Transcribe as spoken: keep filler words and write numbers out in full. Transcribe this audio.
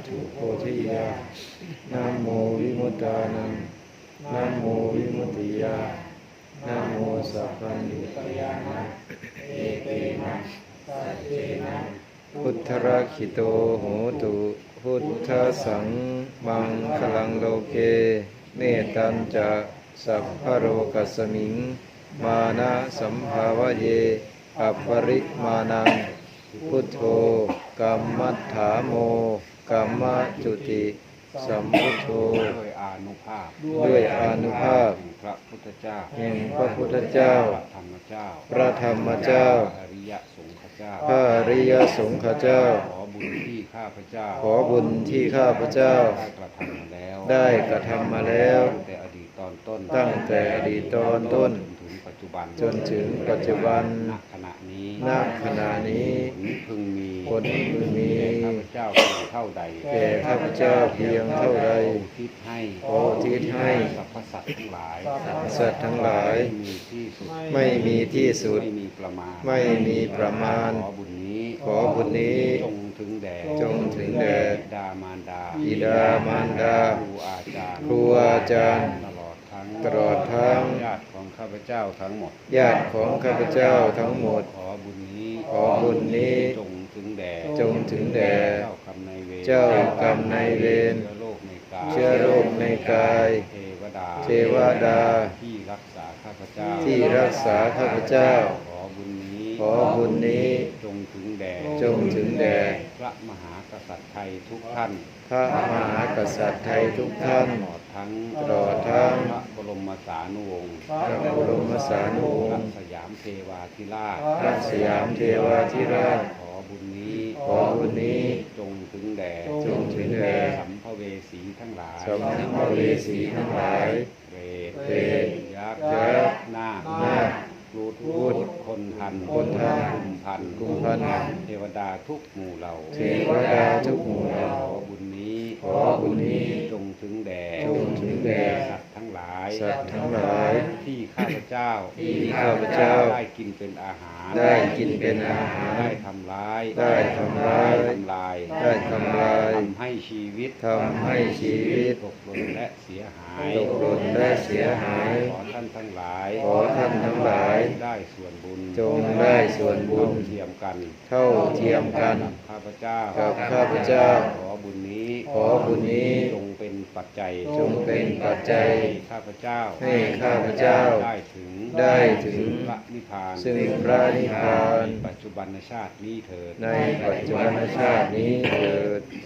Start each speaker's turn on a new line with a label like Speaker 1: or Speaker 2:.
Speaker 1: ถุโพธิยานะโมวิมุตตานังนะโมวิมุตติยานะโมสัพพัญญุตยานะเอเตนะสัจเจนะพุทธรักขิโตโหตุพุทธสังมังคลังโลเกเนตัญจะสัพพะโรกัสสมิงมานะสัมภาวะเยอัปปริมานังพุทโธกัมมัฏฐาโมกัมมจุติสัมพุทโธ
Speaker 2: ด้วยอานุภาพ
Speaker 1: ด้วยอานุภาพ
Speaker 2: พระพุทธเจ้า
Speaker 1: แห่งพระพุทธเจ้า
Speaker 2: พระธรรมเจ้า
Speaker 1: พระธรรมเจ้า
Speaker 2: พระอริยสงฆ์เจ้า
Speaker 1: พระอริยสงฆ์เจ้า
Speaker 2: ขอบุญที่ข้าพเจ้า
Speaker 1: ขอบุญที่ข้าพเจ้า
Speaker 2: ได้กระทำมาแล้ว
Speaker 1: ได้กระทำมาแล้ว
Speaker 2: ตั้งแต่อดีตตอนต้น
Speaker 1: ตั้งแต่อดีตตอนต้น
Speaker 2: ถึงปัจจุบัน
Speaker 1: จนถึงปัจจุบัน
Speaker 2: ณขณะนี้
Speaker 1: ณขณะนี้
Speaker 2: ผลพึงมี
Speaker 1: ผลพึงมี
Speaker 2: ข้าพเจ้าเพียงเท่าใด
Speaker 1: แก่ข้าพเจ้าเพียงเท่าใด
Speaker 2: ทิศให้
Speaker 1: ขออุทิศให้
Speaker 2: สรรพสัตว์ทั้งหลาย
Speaker 1: สัตว์ทั้งหลาย
Speaker 2: ไม่มีที่สุด
Speaker 1: ไม่มีที่สุด
Speaker 2: ไม่มีประมาณ
Speaker 1: ไม่มีประมาณ
Speaker 2: ขอบุญนี้
Speaker 1: ขอบุญนี้
Speaker 2: จงถึงแด่
Speaker 1: จงถึงแด่
Speaker 2: บิดามารดา
Speaker 1: บิดามารดา
Speaker 2: ครูอาจารย์
Speaker 1: ครูอาจารย์
Speaker 2: ตลอดทั้ง
Speaker 1: ตลอดทั้ง
Speaker 2: ญาติของข้าพเจ้าทั้งหมด
Speaker 1: ญาติของข้าพเจ้าทั้งหมด
Speaker 2: ขอบุญนี้
Speaker 1: ขอบุญนี้
Speaker 2: จงถึงแด่
Speaker 1: จงถึงแด่
Speaker 2: เจ้ากรรมนายเวร
Speaker 1: เจ้ากรรมนายเวร
Speaker 2: เชื้อโรคในกาย
Speaker 1: เชื้อโรคในกาย
Speaker 2: เทวดา
Speaker 1: เทวดา
Speaker 2: ที่รักษาข้าพเจ้า
Speaker 1: ที่รักษาข้าพเจ้า
Speaker 2: ขอบุญนี้
Speaker 1: ขอบุญนี้
Speaker 2: จงถึงแด่
Speaker 1: จงถึงแด่
Speaker 2: พระมหากษัตริย์ไทยทุกท่าน
Speaker 1: พระมหากษัตริย์ไทยทุกท่าน
Speaker 2: ตลอดทั้ง
Speaker 1: ตลอดทั้ง
Speaker 2: พระบรมสานุวงศ์
Speaker 1: พระบรมสานุวงศ์
Speaker 2: พระสยามเทวาธิราช
Speaker 1: พระสยามเทวาธิราช
Speaker 2: ขอบุญนี้
Speaker 1: ขอบุญนี้
Speaker 2: จงถึงแด่
Speaker 1: จงถึงแด่
Speaker 2: สัมภเวสีทั้งหลาย
Speaker 1: สัมภเวสีทั้งหลาย
Speaker 2: เปรต
Speaker 1: เปรต
Speaker 2: ยักษ์
Speaker 1: ยักษ์
Speaker 2: นาค
Speaker 1: นาค
Speaker 2: รูด
Speaker 1: พูด
Speaker 2: คนทัน
Speaker 1: คนทัน
Speaker 2: กุมพัน
Speaker 1: กุมพัน
Speaker 2: เทวดาทุกหมู่เหล่า
Speaker 1: เทวดาทุกหมู่เหล่า
Speaker 2: ขอบุญนี้
Speaker 1: ขอบุญนี้
Speaker 2: จงถึงแด่
Speaker 1: จงถึงแด่
Speaker 2: สัตว์ทั้งหลาย
Speaker 1: สัตว์ทั้งหลาย
Speaker 2: ที่ข้าพเจ้า
Speaker 1: ที่ข้าพเจ้า
Speaker 2: ได้กินเป็นอาหาร
Speaker 1: ได้กินเป็นอาหาร
Speaker 2: ได้ทำร้าย
Speaker 1: ได้ทำร้าย
Speaker 2: ทำลาย
Speaker 1: ได้ทำลาย
Speaker 2: ทำให้ชีวิต
Speaker 1: ทำให้ชีวิต
Speaker 2: ตกหล่นและเสียหาย
Speaker 1: ตกหล่นและเสียหาย
Speaker 2: ขอท่านทั้งหลาย
Speaker 1: ขอท่านทั้งหลาย
Speaker 2: ได้ส่วนบุญ
Speaker 1: จงได้ส่วนบุญ
Speaker 2: เทียมกัน
Speaker 1: เท่าเทียมกัน
Speaker 2: ข้าพเจ้า
Speaker 1: กับข้าพเจ้า
Speaker 2: ขอบุญนี้
Speaker 1: ขอบุญนี้
Speaker 2: จงเป็นปัจจัย
Speaker 1: จงเป็นปัจจัย
Speaker 2: ให้ข้าพเจ้า
Speaker 1: ให้ข้าพเจ้า
Speaker 2: ได้ถึง
Speaker 1: ได้ถึง
Speaker 2: พระนิพพาน
Speaker 1: ซึ่งพระนิพพาน
Speaker 2: ในปัจจุบันชาตินี้เถิด
Speaker 1: ในปัจจุบันชาตินี้เถิด